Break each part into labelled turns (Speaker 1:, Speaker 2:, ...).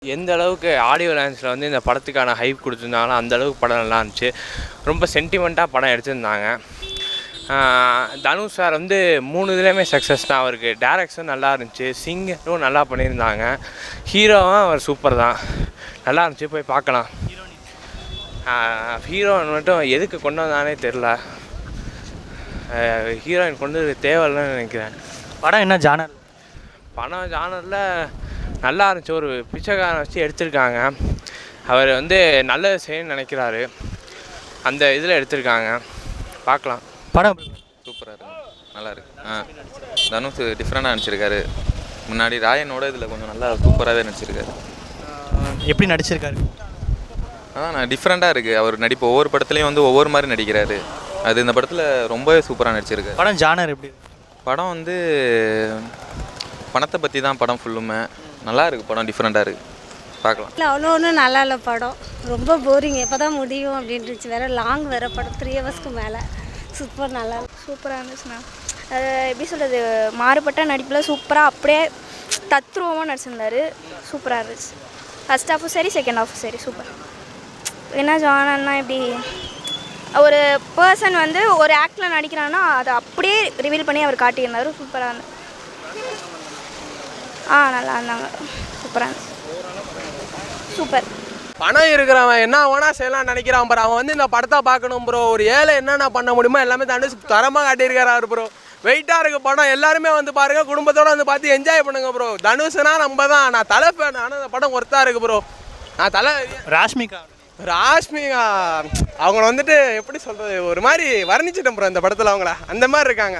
Speaker 1: எந்த அளவுக்கு ஆடியோ லான்ச்சில் வந்து இந்த படத்துக்கான ஹைப் கொடுத்துருந்தாங்களோ அந்த அளவுக்கு படம் நல்லா இருந்துச்சு. ரொம்ப சென்டிமெண்ட்டாக படம் எடுத்திருந்தாங்க. தனுஷ் சார் வந்து 3 இதுலேயுமே சக்ஸஸ் தான். அவருக்கு டேரக்ஷன் நல்லா இருந்துச்சு, சிங்கரும் நல்லா பண்ணியிருந்தாங்க, ஹீரோவும் அவர் சூப்பர் தான், நல்லா இருந்துச்சு, போய் பார்க்கலாம். ஹீரோயின் மட்டும் எதுக்கு கொண்டு வந்தானே தெரில, ஹீரோயின் கொண்டு தேவையில்லைன்னு நினைக்கிறேன்.
Speaker 2: படம் என்ன ஜானர்?
Speaker 1: படம் ஜானரில் நல்லா இருந்துச்சு. ஒரு பிச்சைக்காரனை வச்சு எடுத்திருக்காங்க. அவர் வந்து நல்லது செய்யணும்னு நினைக்கிறாரு, அந்த இதில் எடுத்திருக்காங்க, பார்க்கலாம்.
Speaker 2: படம்
Speaker 3: சூப்பராக இருக்கு, நல்லா இருக்கு. தனுஷ் டிஃப்ரெண்டாக நடிச்சிருக்காரு. முன்னாடி ராயனோட இதில் கொஞ்சம் நல்லா சூப்பராகவே நடிச்சிருக்காரு.
Speaker 2: எப்படி நடிச்சிருக்காரு?
Speaker 3: நான் டிஃப்ரெண்ட்டாக இருக்குது அவர் நடிப்பு. ஒவ்வொரு படத்துலையும் வந்து ஒவ்வொரு மாதிரி நடிக்கிறாரு. அது இந்த படத்தில் ரொம்பவே சூப்பராக நடிச்சிருக்காரு.
Speaker 2: படம் ஜானர் எப்படி?
Speaker 3: படம் வந்து பணத்தை பற்றி தான் படம் ஃபுல்லுமே. நல்லா இருக்குது படம், டிஃப்ரெண்ட்டாக இருக்குது, பார்க்கலாம்.
Speaker 4: இல்லை அவ்வளோ ஒன்றும் நல்லா இல்லை படம், ரொம்ப போரிங். எப்போ தான் முடியும் அப்படின்ட்டுச்சு. வேறு லாங் வேறு படம், 3 ஹவர்ஸ்க்கு மேலே. சூப்பர், நல்லா
Speaker 5: சூப்பராக இருந்துச்சுண்ணா. அது எப்படி சொல்கிறது, மாறுபட்ட நடிப்பில் சூப்பராக அப்படியே தத்ரூபமாக நடிச்சிருந்தார். சூப்பராக இருந்துச்சு. ஃபஸ்ட் ஹாஃபும் சரி, செகண்ட் ஹாஃபும் சரி, சூப்பர். என்ன ஜானர்னா எப்படி, ஒரு பர்சன் வந்து ஒரு ஆக்டில் நடிக்கிறான்னா அதை அப்படியே ரிவீல் பண்ணி அவர் காட்டியிருந்தார். சூப்பராக இருந்தது. நல்லா இருந்தாங்க, சூப்பராக இருந்துச்சு, சூப்பர்.
Speaker 6: பணம் இருக்கிறவன் என்ன வேணா செய்யலாம் நினைக்கிறான் ப்ரோ. அவன் வந்து இந்த படத்தை பார்க்கணும் ப்ரோ. ஒரு ஏழை என்னென்ன பண்ண முடியுமோ எல்லாமே தனுஷ் தரமாக காட்டியிருக்காரு ப்ரோ. வெயிட்டாக இருக்குது படம், எல்லாருமே வந்து பாருங்கள், குடும்பத்தோடு வந்து பார்த்து என்ஜாய் பண்ணுங்க ப்ரோ. தனுஷ்னா நம்ம தான். நான் தலை ஃபேன், ஆனால் இந்த படம் ஒர்த்தாக இருக்குது ப்ரோ. நான் தலை ராஷ்மிகா அவங்கள வந்துட்டு எப்படி சொல்கிறது, ஒரு மாதிரி வர்ணிச்சிட்டேன் ப்ரோ இந்த படத்தில். அவங்கள அந்த மாதிரி இருக்காங்க.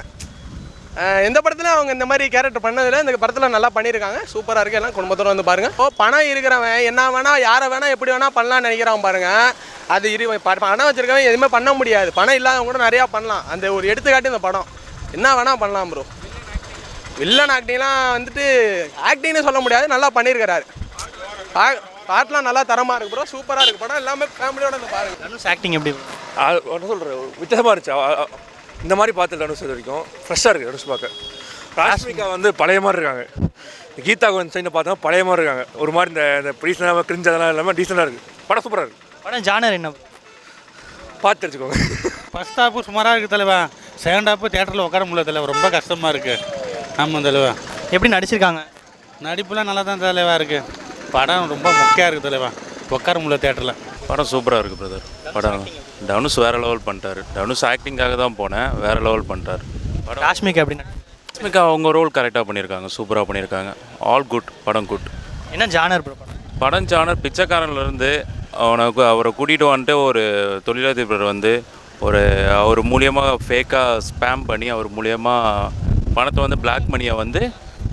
Speaker 6: எந்த படத்துலையும் அவங்க இந்த மாதிரி கேரக்டர் பண்ணதில்லை, இந்த படத்தில் நல்லா பண்ணியிருக்காங்க, சூப்பராக இருக்குது. எல்லாம் குடும்பத்தோடு வந்து பாருங்கள். பணம் இருக்கிறவன் என்ன வேணால் யாரை வேணால் எப்படி வேணால் பண்ணலான்னு நினைக்கிறான் பாருங்கள். அது பணம் வச்சுருக்கவன் எதுவுமே பண்ண முடியாது. பணம் இல்லாதவங்க கூட நிறையா பண்ணலாம். அந்த ஒரு எடுத்துக்காட்டு இந்த படம். என்ன வேணால் பண்ணலாம் ப்ரோ. வில்லன் ஆக்டிங்லாம் வந்துட்டு ஆக்டிங்னு சொல்ல முடியாது, நல்லா பண்ணியிருக்கிறாரு. பாட்டெலாம் நல்லா தரமாக இருக்குது ப்ரோ, சூப்பராக இருக்குது படம். எல்லாமே ஃபேமிலியோட வந்து பாருங்கள்.
Speaker 2: தனுஷ் ஆக்டிங் எப்படி?
Speaker 7: என்ன சொல்கிறேன், வித்தியாசமாக இருந்துச்சு. இந்த மாதிரி பார்த்து தனுஷ் இது வரைக்கும் ஃப்ரெஷ்ஷாக இருக்குது தனுஷ் பார்க்க. ராஷ்மிகா வந்து பழைய மாதிரி இருக்காங்க. கீதா கோவிந்த் சைனை பார்த்தா பழைய மாதிரி இருக்காங்க. ஒரு மாதிரி இந்த ப்ரீசனாக கிரிஞ்சு அதெல்லாம் இல்லாமல் டீசெண்டாக இருக்குது. படம் சூப்பராக இருக்குது.
Speaker 2: படம் ஜானர் என்ன
Speaker 7: பார்த்து தெரிஞ்சுக்கோங்க.
Speaker 8: ஃபஸ்ட் ஹாப்பு சுமாராக இருக்குது தலைவா. செகண்ட் ஹாப்பு தேட்டரில் உட்கார முடியல தலைவா, ரொம்ப கஷ்டமாக இருக்குது. ஆமாம் தலைவா.
Speaker 2: எப்படி நடிச்சிருக்காங்க?
Speaker 8: நடிப்புலாம் நல்லா தான் தலைவா இருக்குது. படம் ரொம்ப மொக்கையாக இருக்குது தலைவா, உட்கார முடியல தேட்டரில்.
Speaker 9: படம் சூப்பராக இருக்குது பிரதர். படம் தனுஷ் வேறு லெவல் பண்ணிட்டார். தனுஷ் ஆக்டிங்காக தான் போனேன், வேறு லெவல் பண்ணிட்டார்.
Speaker 2: ராஷ்மிகா எப்படி?
Speaker 9: ராஷ்மிகா அவங்க ரோல் கரெக்டாக பண்ணியிருக்காங்க, சூப்பராக பண்ணியிருக்காங்க. ஆல் குட், படம் குட்.
Speaker 2: என்ன ஜானர் ப்ரோ?
Speaker 9: படம் ஜானர் பிச்சைக்காரன்லேருந்து அவரை கூட்டிகிட்டு வந்துட்டு ஒரு தொழிலதிபர் வந்து அவர் மூலியமாக ஃபேக்காக ஸ்பேம் பண்ணி அவர் மூலியமாக பணத்தை வந்து பிளாக் மணியை வந்து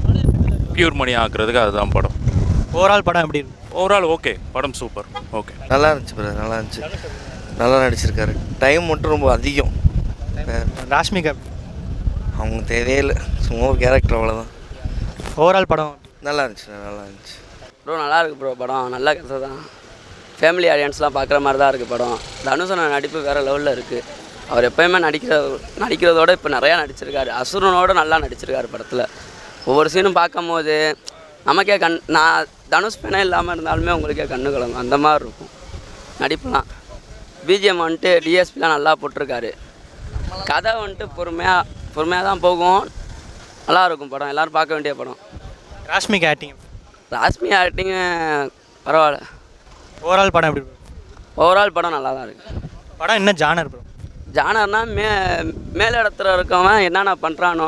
Speaker 9: பியூர் மணி ஆக்குறதுக்கு அதுதான் படம்.
Speaker 2: ஓவரால் படம் எப்படி?
Speaker 9: ஓவரால் ஓகே, படம் சூப்பர், ஓகே.
Speaker 10: நல்லா இருந்துச்சு ப்ரோ, நல்லா இருந்துச்சு, நல்லா நடிச்சிருக்காரு. டைம் மட்டும் ரொம்ப அதிகம்.
Speaker 2: ராஷ்மிகா
Speaker 10: அவங்க தேவையே இல்லை, சும்மா ஒரு கேரக்டர், அவ்வளோதான்.
Speaker 2: ஓவரால் படம்
Speaker 10: நல்லா இருந்துச்சு, நல்லா இருந்துச்சு
Speaker 11: ப்ரோ. நல்லா இருக்குது ப்ரோ படம், நல்ல கதை தான். ஃபேமிலி ஆடியன்ஸ்லாம் பார்க்குற மாதிரி தான் இருக்குது படம். தனுஷோட நடிப்பு வேறு லெவலில் இருக்குது. அவர் எப்போயுமே நடிக்கிறதோட இப்போ நிறையா நடிச்சிருக்காரு. அசுரனோட நல்லா நடிச்சிருக்காரு படத்தில். ஒவ்வொரு சீனும் பார்க்கும் போது நமக்கே நான் தனுஷ் ஃபேனே இல்லாமல் இருந்தாலுமே உங்களுக்கே கண்ணு கலங்கும், அந்த மாதிரி இருக்கும் நடிப்புலாம். பிஜிஎம் வந்துட்டு டிஎஸ்பிலாம் நல்லா போட்டிருக்காரு. கதை வந்துட்டு பொறுமையாக தான் போகும், நல்லாயிருக்கும் படம். எல்லோரும் பார்க்க வேண்டிய படம்.
Speaker 2: ராஷ்மிகா
Speaker 11: ஆக்டிங்கு பரவாயில்ல.
Speaker 2: ஓவரால் படம் எப்படி?
Speaker 11: ஓவரால் படம் நல்லா தான் இருக்குது.
Speaker 2: படம் என்ன ஜானர் ப்ரோ?
Speaker 11: ஜானர்னா மேல் இடத்துல இருக்கவன் என்னென்ன பண்ணுறானோ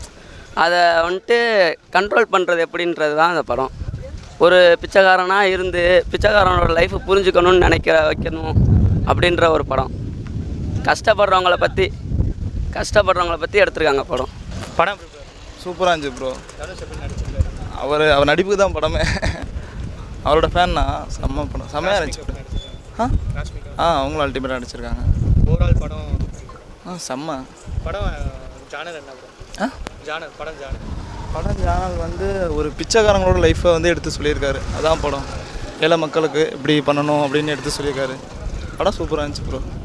Speaker 11: அதை வந்துட்டு கண்ட்ரோல் பண்ணுறது எப்படின்றது தான் அந்த படம். ஒரு பிச்சைக்காரனாக இருந்து பிச்சைக்காரனோட லைஃப்பை புரிஞ்சுக்கணும்னு வைக்கணும் அப்படின்ற ஒரு படம். கஷ்டப்படுறவங்கள பற்றி எடுத்திருக்காங்க படம்.
Speaker 2: படம்
Speaker 12: சூப்பராக இருந்துச்சு ப்ரோ. அவர் நடிப்புக்கு தான் படமே. அவரோட ஃபேன்னா செம்மையாக இருந்துச்சு. அவங்களும் அல்டிமேட்டாக நடிச்சிருக்காங்க.
Speaker 2: ஓவரால் படம்
Speaker 12: செம்ம.
Speaker 2: படம் ஜானர் என்ன ப்ரோ?
Speaker 12: படம் ஜானல் வந்து ஒரு பிச்சைக்காரங்களோட லைஃப்பை வந்து எடுத்து சொல்லியிருக்காரு. அதான் படம். ஏழை மக்களுக்கு இப்படி பண்ணணும் அப்படின்னு எடுத்து சொல்லியிருக்காரு. படம் சூப்பராக இருந்துச்சு ப்ரோ.